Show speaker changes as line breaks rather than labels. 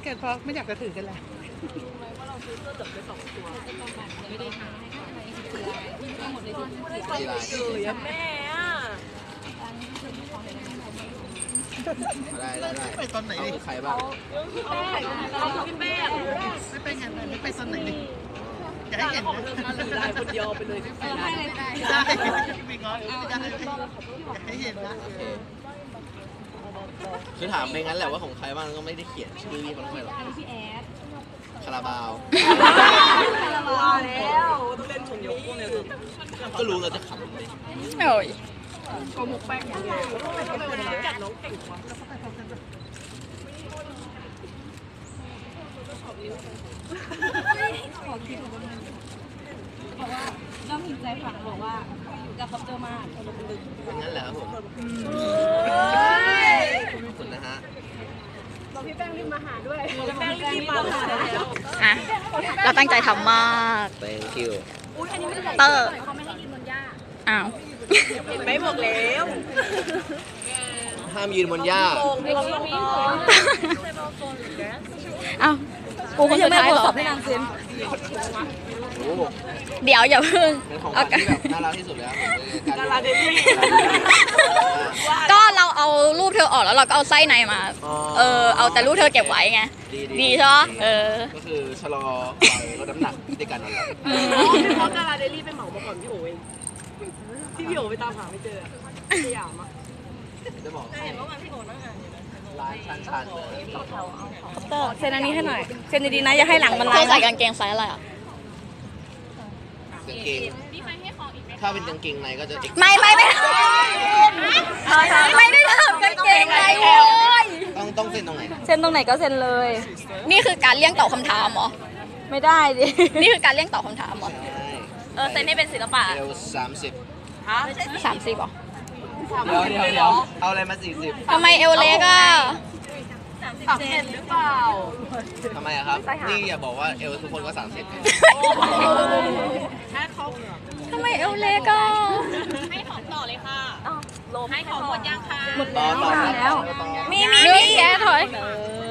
กันเพราะไม่อยากจะถือกันแหละ
ว่าเราซื้อเสื้อเหลืองไป2 ตัว
ไม่ได้หาให้หมดเลยที่
ใส่เลยอะแม่อะ
ได้ไปตอนไหนดิใครบ้าง
เอาพี่แป้ง
ไม่ไปงานไม่ไปตอนไหนดิอยากให้เห็น
ของเธอมาหรือได้คนเดียวไปเลย
ให้เลยได้
ได้ไม่ง้อไม่ได้อยากให้เห็นนะ
โอเคคือถามไปงั้นแหละว่าของใครบ้างก็ไม่ได้เขียนชื่อพี่เขาลงไปหรอก
พี่แอด
คาราบาว
ว่าแล้วต้องเล่นชมยกพวกเนี้ย
ก็รู้เราจะขำเลย
โอ้ย
โกหกแป้งอย่างเดียวทำไมวันนี้กัดน้องเก่งวะ
ขอคิดบอกว่าน้องหินใจฝังบอกว่าจะคบเจอมาก
เป็นงั้นแหละครับผมขอบคุณนะฮะ
พี่แป้งรีบมาหาด้วยแป้งรีบมาหาแล้ว
อ่ะเราตั้งใจทำมาก
thank you
เตอร์อ้าว
เห็นไหมบอกแล้ว
ห้ามยืนบนหญ้า
โกงให้คิดก่อน
อ้าวกูคนสุดท้ายเหรอ
โอ้โห
เดี๋ยวอย่าเพิ่ง
เป็นของข
เอา
วัญที่แบบน่ารักที่สุดแล้วผม
ดาราเดลี่
ก็เราเอารูปเธอออกแล้วเราก็เอาไส้ในมา เอาแต่รูปเธอเก็บไว้ไง ดีใช่ไหม
ก็คือชะลอวัยลดน้ำหนักด้วยกันนั่นแหละ
พี่พอดาราเดลี่ไปเหมามาก่อนพี่โอ๋เองที่พี่โอ๋ไปตามหาไม่เจอสยามอ่ะ
จะบอก
เห็นว่าวันพี่โอ๋นั่งอ่านอยู่นะ
ร้านชันๆเลย
เตอร์เซ็นอันนี้ให้หน่อยเซ็นดีๆนะอย่าให้หลังมัน
เธ
ลา
อย ใส่กางเกงไซส์อะไรอ่ะ
กางเกงถ้าเป็นกางเกงในก็จะ
ไม่ได้ทำกางเกงในโว้ย
ต้องเซ็นตรงไหน
เซ็นตรงไหนก็เซ็นเลย
นี่คือการเลี่ยงตอบคำถามเหรอ
ไม่ได้ดิ
นี่คือการเลี่ยงตอบคำถามเหรอ เซ็นให้เป็นศิลปะ
เอล30
ฮะ
30เหรอ
เดี๋ยวเอาอะไรมา40
ทำไมเอวเล็กอ่ะ
30หรือเปล่า
ทำไมอะครับ นี่อย่าบอกว่าเอลทุกคนก็30ไง
แค่เขา
ทำไมเอวเล็กอ่ะ
ให้ของต่อเลยค่ะให้ของหมดยังค่ะ
ต่อ
มีแกถอย
เ